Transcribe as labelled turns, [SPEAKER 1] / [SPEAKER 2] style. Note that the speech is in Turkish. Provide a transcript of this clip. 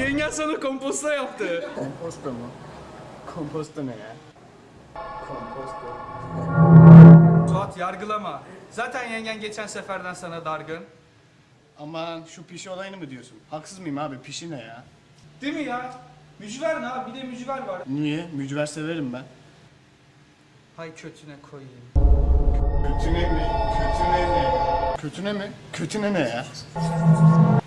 [SPEAKER 1] Yengen sana komposta yaptı.
[SPEAKER 2] Komposto mu? Komposto ne ya? Komposto.
[SPEAKER 1] Suat yargılama. Zaten yengen geçen seferden sana dargın.
[SPEAKER 2] Aman şu pişi olayını mı diyorsun? Haksız mıyım abi? Pişi ne ya?
[SPEAKER 1] Değil mi ya? Mücver ne abi? Bir de mücver var.
[SPEAKER 2] Niye? Mücver severim ben.
[SPEAKER 1] Hay kötüne koyayım.
[SPEAKER 2] Kötüne mi? Kötüne ne? Kötüne mi? Kötüne ne ya?